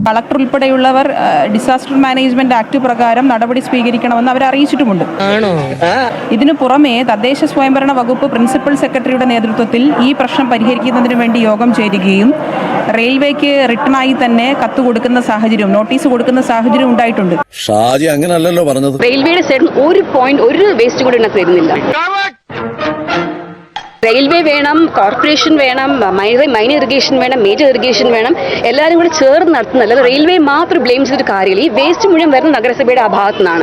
Collector ഉൾപ്പെടെയുള്ളവർ disaster management act പ്രകാരം നടപടി സ്വീകരിക്കണമെന്ന് അവർ അറിയിച്ചിട്ടുമുണ്ട്. ഇതിനു പുറമെ തദ്ദേശ സ്വയംഭരണ വകുപ്പ് പ്രിൻസിപ്പൽ സെക്രട്ടറിയുടെ നേതൃത്വത്തിൽ ഈ പ്രശ്നം പരിഹരിക്കുന്നതിന് വേണ്ടി യോഗം ചേരുകയും റെയിൽവേക്ക് റിട്ടേണായി തന്നെ കത്ത് കൊടുക്കുന്ന സാഹചര്യം, നോട്ടീസ് കൊടുക്കുന്ന സാഹചര്യം ഉണ്ടായിട്ടുണ്ട്. ഷാജി അങ്ങനല്ലല്ലോ പറഞ്ഞത്. റെയിൽവേയുടെ സൈഡിൽ ഒരു വേസ്റ്റ് കൂടി ഇതിനകത്ത് വരുന്നില്ല. റെയിൽവേ വേണം, കോർപ്പറേഷൻ വേണം, മൈനർ ഇറിഗേഷൻ വേണം, മേജർ ഇറിഗേഷൻ വേണം, എല്ലാവരും കൂടി ചേർന്ന് നടത്തുന്നല്ല. റെയിൽവേ മാത്രം ബ്ലെയിം ചെയ്തിട്ട് കാര്യമില്ല. ഈ വേസ്റ്റ് മുഴുവൻ വരുന്ന നഗരസഭയുടെ ആ ഭാഗത്തു നിന്നാണ്.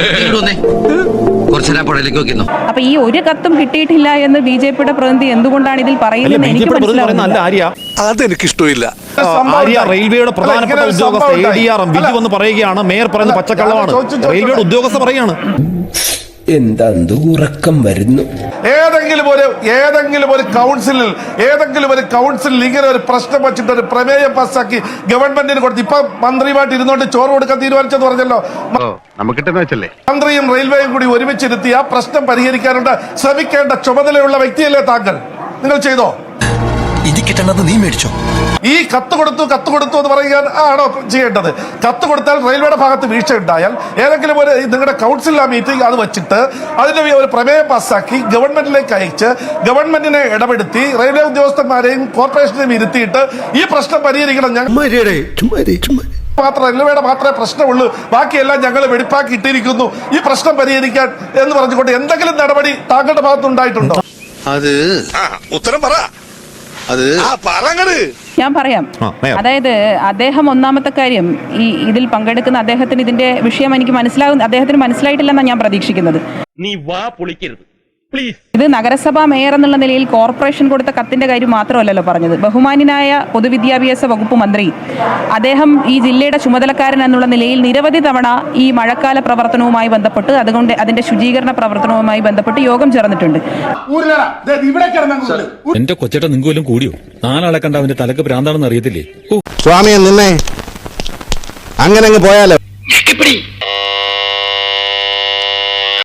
അപ്പൊ ഈ ഒരു കത്തും കിട്ടിയിട്ടില്ല എന്ന് ബിജെപിയുടെ പ്രതിനിധി എന്തുകൊണ്ടാണ് ഇതിൽ പറയുന്നത് എനിക്ക് മനസ്സിലാവുന്നില്ല. അതെനിക്കിഷ്ടമില്ല. റെയിൽവേയുടെ പ്രധാനപ്പെട്ട ഉദ്യോഗസ്ഥ ADRM ബിജു എന്ന് പറയുകയാണ്, മേയർ പറയുന്ന പച്ചക്കള്ളമാണ്. റെയിൽവേയുടെ ഉദ്യോഗസ്ഥ പറയാണ്. എന്താ ഉറക്കം വരുന്നു. ഏതെങ്കിലും ഒരു കൗൺസിലിൽ ഇങ്ങനെ ഒരു പ്രശ്നം വെച്ചിട്ട് ഒരു പ്രമേയം പാസ്സാക്കി ഗവൺമെന്റിന് കൊടുത്ത് ഇപ്പൊ മന്ത്രിയുമായിട്ട് ഇരുന്നോണ്ട് ചോറ് കൊടുക്കാൻ തീരുമാനിച്ചെന്ന് പറഞ്ഞല്ലോ. മന്ത്രിയും റെയിൽവേയും കൂടി ഒരുമിച്ചിരുത്തി ആ പ്രശ്നം പരിഹരിക്കാനുള്ള ശ്രമിക്കേണ്ട ചുമതലയുള്ള വ്യക്തിയല്ലേ താങ്കൾ? നിങ്ങൾ ചെയ്തോ? നീ മേടിച്ചോ? ഈ കത്ത് കൊടുത്തു എന്ന് പറയാൻ ആണോ ചെയ്യേണ്ടത്? കത്ത് കൊടുത്താൽ റെയിൽവേയുടെ ഭാഗത്ത് വീഴ്ച ഉണ്ടായാൽ ഏതെങ്കിലും ഒരു നിങ്ങളുടെ കൗൺസിൽ മീറ്റിംഗ് അത് വെച്ചിട്ട് അതിന്റെ ഒരു പ്രമേയം പാസ്സാക്കി ഗവൺമെന്റിലേക്ക് അയച്ച് ഗവൺമെന്റിനെ ഇടപെടുത്തി റെയിൽവേ ഉദ്യോഗസ്ഥന്മാരെയും കോർപ്പറേഷനെയും ഇരുത്തിയിട്ട് ഈ പ്രശ്നം പരിഹരിക്കണം. റെയിൽവേയുടെ മാത്രമേ പ്രശ്നമുള്ളൂ, ബാക്കിയെല്ലാം ഞങ്ങൾ വെടിപ്പാക്കി ഇട്ടിരിക്കുന്നു, ഈ പ്രശ്നം പരിഹരിക്കാൻ എന്ന് പറഞ്ഞുകൊണ്ട് എന്തെങ്കിലും നടപടി താങ്കളുടെ ഭാഗത്തുണ്ടായിട്ടുണ്ടോ? അത് ഉത്തരം പറ. ഞാൻ പറയാം. അതായത് അദ്ദേഹം ഒന്നാമത്തെ കാര്യം, ഇതിൽ പങ്കെടുക്കുന്ന അദ്ദേഹത്തിന് ഇതിന്റെ വിഷയം എനിക്ക് അദ്ദേഹത്തിന് മനസ്സിലായിട്ടില്ലെന്നാണ് ഞാൻ പ്രതീക്ഷിക്കുന്നത്. നീ വാ പൊളിക്കരുത് പ്ലീസ്. ഇത് നഗരസഭാ മേയർ എന്നുള്ള നിലയിൽ കോർപ്പറേഷൻ കൊടുത്ത കത്തിന്റെ കാര്യം മാത്രമല്ലല്ലോ പറഞ്ഞത്. ബഹുമാന്യനായ പൊതുവിദ്യാഭ്യാസ വകുപ്പ് മന്ത്രി അദ്ദേഹം ഈ ജില്ലയുടെ ചുമതലക്കാരൻ എന്നുള്ള നിലയിൽ നിരവധി തവണ ഈ മഴക്കാല പ്രവർത്തനവുമായി ബന്ധപ്പെട്ട് അതുകൊണ്ട് അതിന്റെ ശുചീകരണ പ്രവർത്തനവുമായി ബന്ധപ്പെട്ട് യോഗം ചേർന്നിട്ടുണ്ട്. എന്റെ കൊച്ചേട്ട നിങ്ങൾക്കും കൂടിയോ? നാലാളെ കണ്ട അവന്റെ തലക്ക് ഭ്രാന്താണെന്ന് അറിയത്തില്ലേ? സ്വാമിയെ നിന്നെ അങ്ങനെ പോയാലോ.